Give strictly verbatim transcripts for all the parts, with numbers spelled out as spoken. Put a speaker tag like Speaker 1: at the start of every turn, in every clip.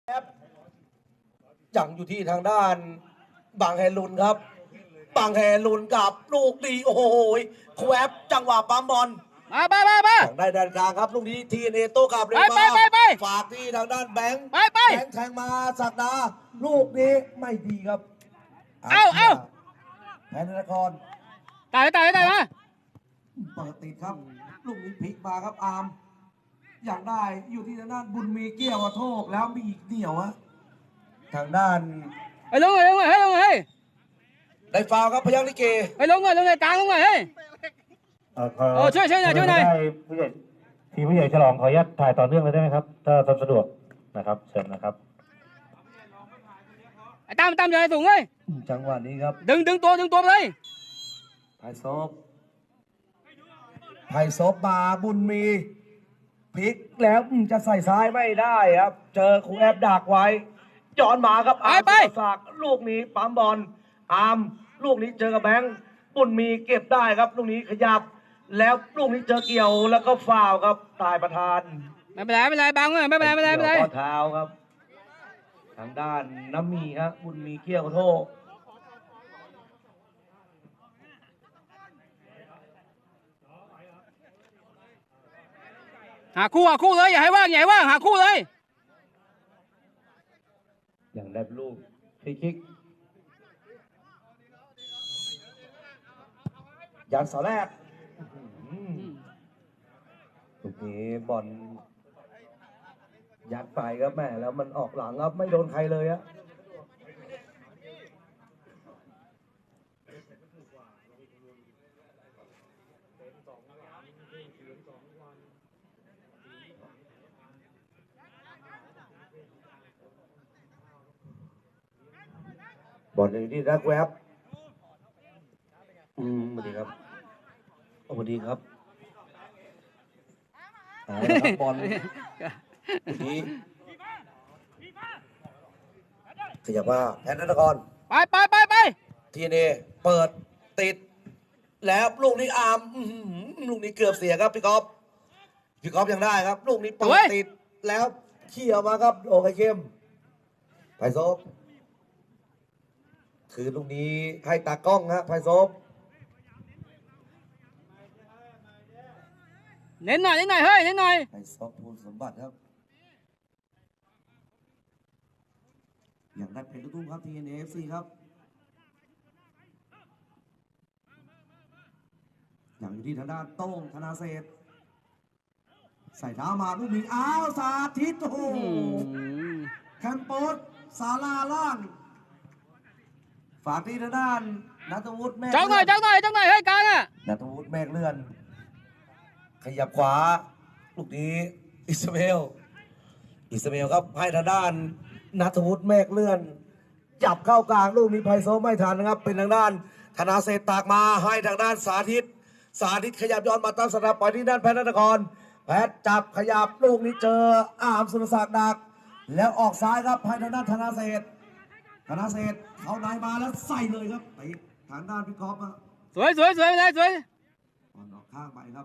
Speaker 1: ยังอยู่ที่ทางด้านบางแฮลุนครับบางแฮลุนกับลูกดีโอ้โหแควบจังหวะปั๊มบอล
Speaker 2: มาไปไปไป
Speaker 1: ได้ด้านกลางครับลูกนี้ทีเนโต้กับเรมาฝากที่ทางด้านแบงค์แบงค์แทงมาสักดาลูกนี้ไม่ดีครับ
Speaker 2: เอาเอา
Speaker 1: แพนนคร
Speaker 2: ตายตายตายมา
Speaker 1: เปิดติดครับลูกนี้พลิกมาครับอาร์มอยากได้อยู่ที่ทางด้านบุญมีเกี้ยวโทษแล้วมีอีกเดี่ยวฮะทางด้าน
Speaker 2: ไอ้ลงเลยลงเลยให้ลงเลย
Speaker 1: ได้ฟาวครับพยัคฆ์ลิเก
Speaker 2: ไอ้ลงเลยลงเลยกลางลงเลยเฮ้ยโอ้ช่วยช่วยหน่อยช่วยหน่อย
Speaker 3: ผู้ใหญ่ทีมผู้ใหญ่ฉลองขออนุญาตถ่ายต่อเนื่องเลยได้ไหมครับถ้าสะดวกนะครับเชิญนะครับ
Speaker 2: ไอ้ตามตามใหญ่สูงเลย
Speaker 1: จังหวะนี้ครับ
Speaker 2: ดึงดึงตัวดึงตัวเลย
Speaker 1: ไผ่ซบไผ่ซบมาบุญมีพลิกแล้วจะใส่ซ้ายไม่ได้ครับเจอครูแอบดักไว้ย้อนมาครับอาร์มสากลูกนี้ปั๊มบอลอาร์มลูกนี้เจอกับแบงค์บุญมีเก็บได้ครับลูกนี้ขยับแล้วลูกนี้เจอเกี่ยวแล้วก็ฟาวครับตายประธาน
Speaker 2: ไม่เป็นไรไม่เป็นไรบังเลยไม่เป็นไรไม่เป็นไรไม่เป็นไร
Speaker 1: ข้อเท้าครับทางด้านน้ำมีครับบุญมีเกี่ยวโทษ
Speaker 2: หาคู่หาคู่เลยอย่าให้ว่างอย่าให้ว่างหาคู่เลย
Speaker 1: อย่างได้ลูกฟรีคิกยันเสาแรกลูกนี้บอลยัดไปครับแม่แล้วมันออกหลังครับไม่โดนใครเลยอะบอลอยู่ที่รักแวบอืมสวัสดีครับสวัสดีครับบอลทีขยับมาแพนนคร
Speaker 2: ไปไปไปไป
Speaker 1: ทีเนเปิดติดแล้วลูกนี้อาร์มลูกนี้เกือบเสียครับพี่กอล์ฟพี่กอล์ฟยังได้ครับลูกนี้เปิดติดแล้วเขี่ยมาครับโอเคเข้มไพโซฟคือลูกนี้ให้ตากล้องฮะไพโซฟ
Speaker 2: เน้นหน่อยเน้นหน่อยเฮ้ยเน้นหน่อย
Speaker 1: ไพโซฟภูลสมบัติครับอย่างได้เป็นลูกทุ่งครับทีเอ็นเอฟซีครับอย่างอยู่ที่ทางด้านโต้งธนาเศษใส่เท้ามาลูกนี้อ้าวสาธิตโอ้โหแคมโปสศาลาล่างฝากที่ทางด้านณัฐวุฒิแม่
Speaker 2: จังหน่อยจังหน่อยจังหน่อยให้กลางอ่ะ
Speaker 1: ณัฐวุฒิแม่เลื่อนขยับขวาลูกนี้อิสมาเอลอิสมาเอลครับให้ทางด้านณัฐวุฒิแม่เลื่อนจับเข้ากลางลูกนี้ไพโซไม่ทันนะครับเป็นทางด้านธนาเศษตากมาให้ทางด้านสาธิตสาธิตขยับย้อนมาตั้งสนับไปที่ด้านแพทย์นครแพทย์จับขยับลูกนี้เจออาร์มสุรศักดิ์ดักแล้วออกซ้ายครับให้ทางด้านธนาเศษธนาเศษเขาในมาแล้วใส่เลยครับไปทางด้านพี่กอล์ฟ
Speaker 2: สวยสวยสวยเลยสวย
Speaker 1: ออกข้างไปครับ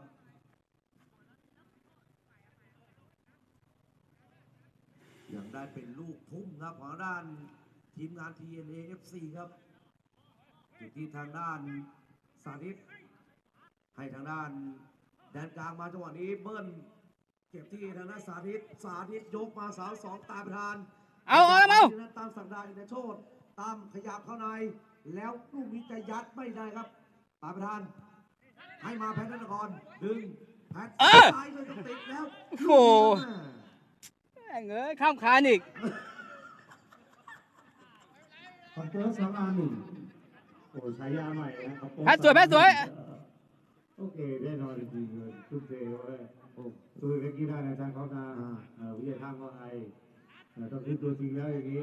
Speaker 1: ยังได้เป็นลูกทุ่มครับของด้านทีมงาน ที เอ็น เอ เอฟ ซี ครับอยู่ที่ทางด้านสาธิตให้ทางด้านแดนกลางมาจังหวะนี้เบิ้ลเก็บที่ทางด้านสาธิตสาธิตยกมาสาวสองตามประธาน
Speaker 2: เอาเอาเอา
Speaker 1: ตามสักดาอินทโชตตามขยับเข้าในแล้วลูกนี้จะยัดไม่ได้ครับตามประธานให้มาแพทย์นครดึงแพทย์ตายเลยติดแล้ว
Speaker 2: โอ้เงยข้ามคานอีก
Speaker 4: คอนเตอร์สองอาร์หนึ่งโอ้ใช้ยาใหม่นะครับ
Speaker 2: แพทสวยแพทสวย
Speaker 4: โอเคแน่นอนจริงๆเลยทุกเซลเลยโอ้ตัวเล็กกี้ได้นะอาจารย์เขานาวิทยาทางว่าไงต้องคิดตัวจริงแล้วอย่างนี้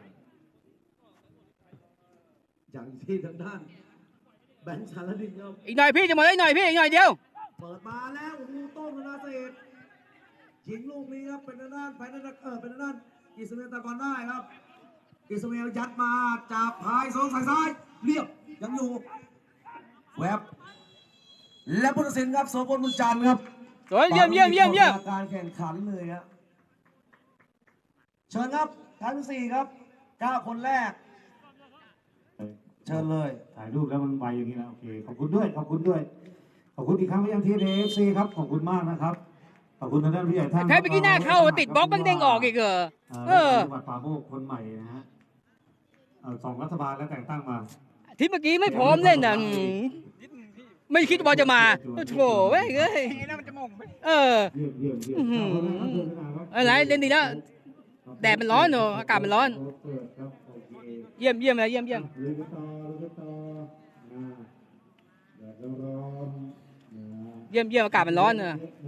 Speaker 1: อย่างที่ทางด้านแบงค์ชาลดินครับ
Speaker 2: อีกหน่อยพี่จะหมดอีกหน่อยพี่อีกหน่อยเดียว
Speaker 1: เปิดมาแล้วโอ้โหโต้งธนาเศษยิงลูกนี้ครับเป็นทางด้านไปทางด้านเออเป็นทางด้านอิสมาเอลตะกอนได้ครับอิสมาเอลยัดมาจับพายโซ่ใส่ซ้ายเรียบยังอยู่แวบและผู้ตัดสินครับโสพลบุญจันทร์ครับ
Speaker 2: สวยเยี่ยมเยี่ยมเยี่ยมเยี่ยม
Speaker 1: การแข่งขันเลยครับเชิญครับทั้งสี่ครับเก้าคนแรก เชิญเลย
Speaker 4: ถ่ายรูปแล้วมันไวอย่างนี้นะโอเคขอบคุณด้วยขอบคุณด้วยขอบคุณอีกครั้งไปยังทีเอฟซีครับขอบคุณมากนะครับขอบคุณทางด้านผู้ใหญ่ท่าน
Speaker 2: แพ้ไปกี้หน้าเข้าติดบล็อกบังเด้งออกอีกเหรอเออ
Speaker 4: จังหวัดป่าโมกคนใหม่นะฮะเอ่อสองรัฐบาลแล้วแต่งตั้งมา
Speaker 2: ที่เมื่อกี้ไม่พร้อมเล่นอ่ะอืมไม่คิดว่าจะมาโอ้โหเว้ยเอ้ยเออ
Speaker 4: เยี่ยมเยี่ยมเยี่ยม
Speaker 2: อื้อหือ
Speaker 4: เอาละครับเชิญนะครับ
Speaker 2: อะไรเล่นดีแล้วแดดมันร้อนเนอะอากาศมันร้อน
Speaker 4: เปิดครับโอเค
Speaker 2: เยี่ยมเยี่ยมเลยเยี่ยมเยี่ยม
Speaker 4: ลุยกันต่อลุยกันต่อนะแดดร้อนๆนะ
Speaker 2: เยี่ยมเยี่ยมอากาศมันร้อนเนอะ
Speaker 4: เ